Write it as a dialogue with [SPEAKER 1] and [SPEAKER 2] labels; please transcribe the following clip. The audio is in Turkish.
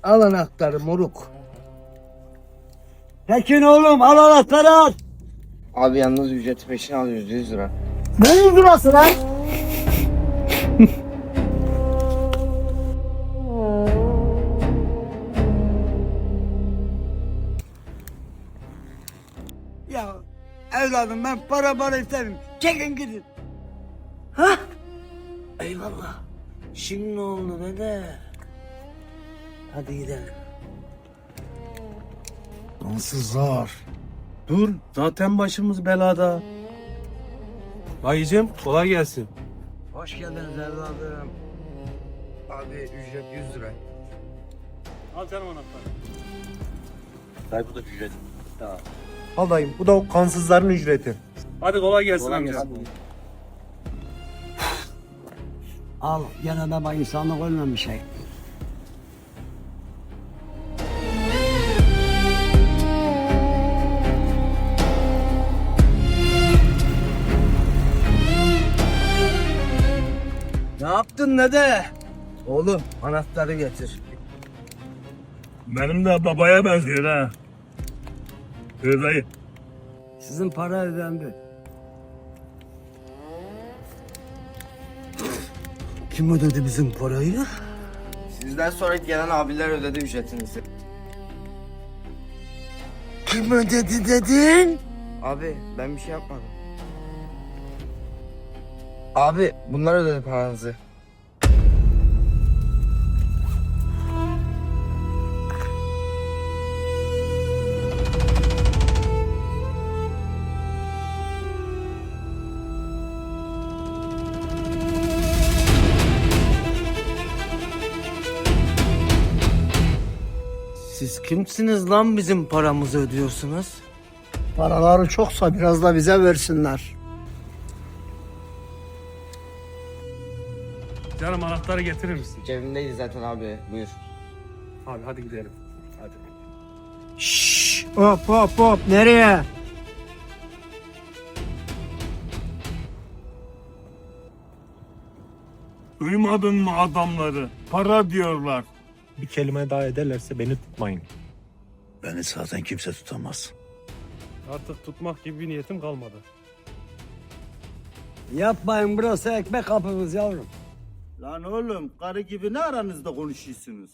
[SPEAKER 1] Al anahtarı moruk.
[SPEAKER 2] Tekin oğlum al anahtarı al.
[SPEAKER 3] Abi yalnız ücreti peşin alıyoruz 100 lira.
[SPEAKER 2] Ne 100 lirası lan?
[SPEAKER 1] Ya evladım ben para istemem. Çekin gidin. Eyvallah. Şimdi ne oldu dede? Hadi gidelim.
[SPEAKER 4] Kansızlar. Dur, zaten başımız belada. Dayıcım, kolay gelsin.
[SPEAKER 1] Hoş geldiniz evladım. Abi ücret 100 lira.
[SPEAKER 4] Al canım anahtarı.
[SPEAKER 3] Dayı bu da ücret. Tamam.
[SPEAKER 5] Al dayım, bu da o kansızların ücreti.
[SPEAKER 4] Hadi kolay gelsin
[SPEAKER 3] Kolay
[SPEAKER 4] amca.
[SPEAKER 3] gelsin.
[SPEAKER 2] Al gene de bak insanlık ölmemiş şey.
[SPEAKER 1] Ne yaptın dede? Oğlum anahtarı getir.
[SPEAKER 4] Benim de babaya benziyor ha. Dayı.
[SPEAKER 1] Sizin para ödendi. Kim ödedi bizim parayı?
[SPEAKER 3] Sizden sonra gelen abiler ödedi ücretinizi.
[SPEAKER 1] Kim ödedi dedin?
[SPEAKER 3] Abi ben bir şey yapmadım. Abi bunlar ödedi paranızı.
[SPEAKER 1] Siz kimsiniz lan bizim paramızı ödüyorsunuz?
[SPEAKER 2] Paraları çoksa biraz da bize versinler.
[SPEAKER 4] Canım anahtarı getirir misin?
[SPEAKER 3] Cebimdeydi zaten abi, buyur.
[SPEAKER 4] Abi hadi gidelim. Hadi.
[SPEAKER 2] Şşş hop hop hop nereye?
[SPEAKER 6] Duymadın mı adamları? Para diyorlar.
[SPEAKER 5] Bir kelime daha ederlerse beni tutmayın.
[SPEAKER 4] Beni zaten kimse tutamaz.
[SPEAKER 7] Artık tutmak gibi bir niyetim kalmadı.
[SPEAKER 2] Yapmayın burası ekmek kapımız yavrum.
[SPEAKER 6] Lan oğlum karı gibi ne aranızda konuşuyorsunuz?